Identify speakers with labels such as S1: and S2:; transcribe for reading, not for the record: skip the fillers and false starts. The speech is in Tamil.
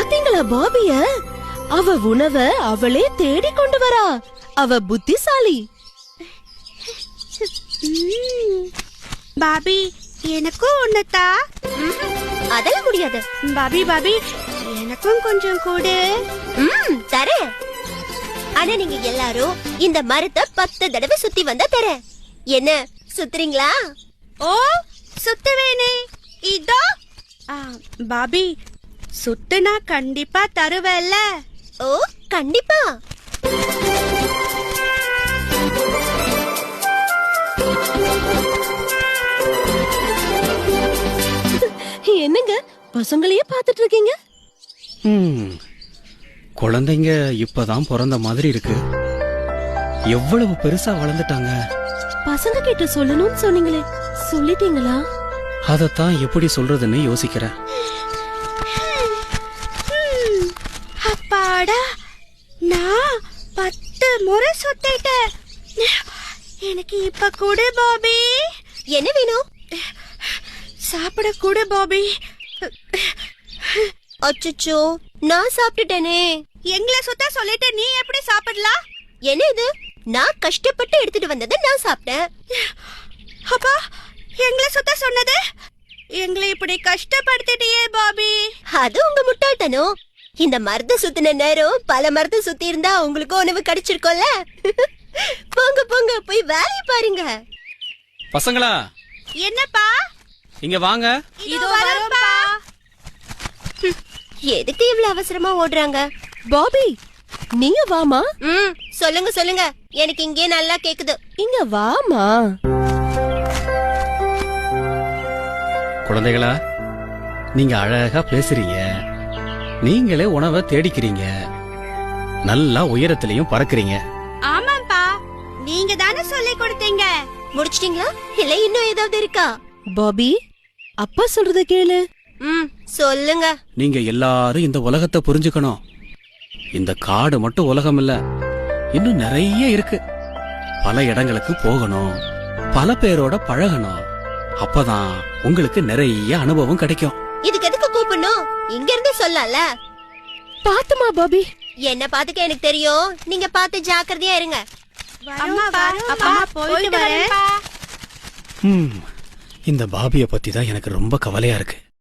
S1: பாத்தீங்களா பாபிய? அவ உணவை அவளே தேடி கொண்டு வரா. அவ புத்திசாலி.
S2: பாபி, எனக்கும் ஒண்ணுதா.
S3: அதெல்லாம் முடியாது.
S2: பாபி எனக்கும் கொஞ்சம் கூடு.
S3: தரேன். ஆனா நீங்க எல்லாரும் இந்த மரத்தை 10 தடவை சுத்தி வந்தா தரேன். என்ன சுத்துறீங்களா?
S2: ஓ, சுத்துவேனே. இதோ. பாபி, சுத்துனா கண்டிப்பா தருவேல்ல?
S3: ஓ, கண்டிப்பா.
S1: என்னங்க பசங்களையே பாத்துட்டு இருக்கீங்க?
S4: குழந்தைங்க இப்பதான் பிறந்த மாதிரி இருக்கு. எவ்வளவு பெருசா வளர்ந்துட்டாங்க.
S1: பசங்க கிட்ட சொல்லணும்னு சொன்னீங்களே, சொல்லிட்டீங்களா?
S4: அதத்தான் எப்படி சொல்றதுன்னு யோசிக்கிறேன்.
S2: அப்பாடா, நான் 10 முறை சுத்திட்டேன். எனக்கு இப்ப கூடு பாபி.
S3: என்ன வேணும்?
S2: சாப்பிட கூடு பாபி.
S3: அச்சச்சோ, நான் சாப்பிட்டுட்டேனே.
S2: எங்களை சுத்த சொல்லிட்டு நீ எப்படி சாப்பிடலாம்?
S3: என்ன இது? நான் கஷ்டப்பட்டு எடுத்துட்டு வந்ததை நான் சாப்பிட்டேன்.
S2: அப்பா, எங்களை சுத்த சொன்னது? எங்களை இப்படி கஷ்டப்படுத்திட்டியே பாபி.
S3: அது உங்க முட்டாள்தனம். இந்த மரத்தை சுத்தின நேரம் பல மரத்தை சுத்தி இருந்தா உங்களுக்கு உணவு கிடைச்சிருக்கோம்ல. போங்க போங்க, போய் வேலையை பாருங்க.
S4: பசங்களா,
S2: என்னப்பா?
S4: இங்க வாங்க.
S2: இதோ வரேன்ப்பா.
S3: எதுக்கு இவ்வளவு அவசரமா ஓடுறாங்க?
S1: பாபி, நீங்க வாமா.
S3: சொல்லுங்க சொல்லுங்க, எனக்கு இங்கே நல்லா கேக்குது.
S1: இங்க வாமா.
S4: குழந்தைகளா, நீங்க அழகா பேசுறீங்க. நீங்களே உணவை தேடிக்கிறீங்க. நல்லா உயரத்திலையும் பறக்குறீங்க.
S2: ஆமாப்பா, நீங்க தானே சொல்லி கொடுத்தீங்க.
S3: முடிச்சிட்டீங்களா இல்ல இன்னும் ஏதாவது இருக்கா?
S1: பாபி, அப்பா சொல்றத கேளு.
S3: சொல்லுங்க.
S4: நீங்க எல்லாரும் இந்த உலகத்தை புரிஞ்சுக்கணும். இந்த காடு மட்டும் உலகம் இல்ல, இன்னும் நிறைய இருக்கு. பல இடங்களுக்கு போகணும், பல பேரோட பழகணும். அப்பதான் உங்களுக்கு நிறைய அனுபவம் கிடைக்கும்.
S3: இதுக்கு எதுக்கு கூப்பிடணும்? இங்க இருந்து சொல்லல.
S1: பாத்துமா பாபி.
S3: என்ன பாத்துக்க எனக்கு தெரியும். நீங்க பார்த்து ஜாக்கிரதையா இருங்க.
S2: அம்மா அப்பா, போயிட்டு வரேன்.
S4: இந்த பாபிய பத்தி தான் எனக்கு ரொம்ப கவலையா இருக்கு.